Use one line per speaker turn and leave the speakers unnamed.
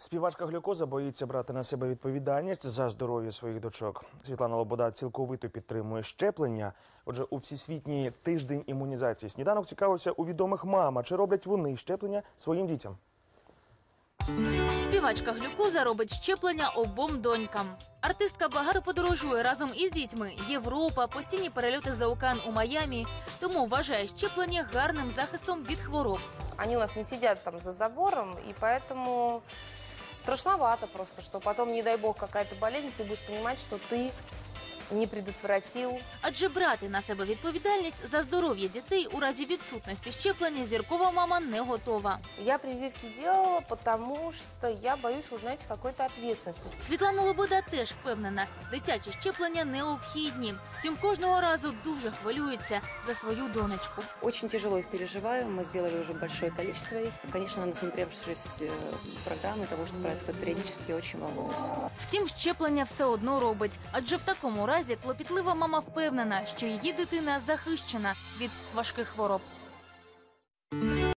Співачка Глюкоза боїться брати на себе відповідальність за здоров'я своїх дочок. Світлана Лобода цілковито підтримує щеплення. Отже, у Всесвітній тиждень імунізації «Сніданок» цікавився у відомих мам, чи роблять вони щеплення своїм дітям.
Співачка Глюкоза робить щеплення обом донькам. Артистка багато подорожує разом із дітьми. Європа, постійні перельоти за океан у Майамі. Тому вважає щеплення гарним захистом від хвороб.
Они у нас не сидят там за забором, и поэтому страшновато просто, что потом, не дай бог, какая-то болезнь, ты будешь понимать, что ты не предотвратил.
Адже брати на себе відповідальність за здоров'я дітей у разі відсутності щеплення зіркова мама не готова.
Я прививки делала, потому что я боюсь, вы знаете, какой-то ответственности.
Світлана Лобода теж впевнена, дитячі щеплення необхідні. Втім, кожного разу дуже хвилюється за свою донечку.
Очень тяжело их переживаю. Мы сделали уже большое количество их. Конечно, насмотревшись программы того, что происходит периодически, очень волнуюсь.
Втім, щеплення все одно робить. Адже в такому разі клопітлива мама впевнена, що її дитина захищена від важких хвороб.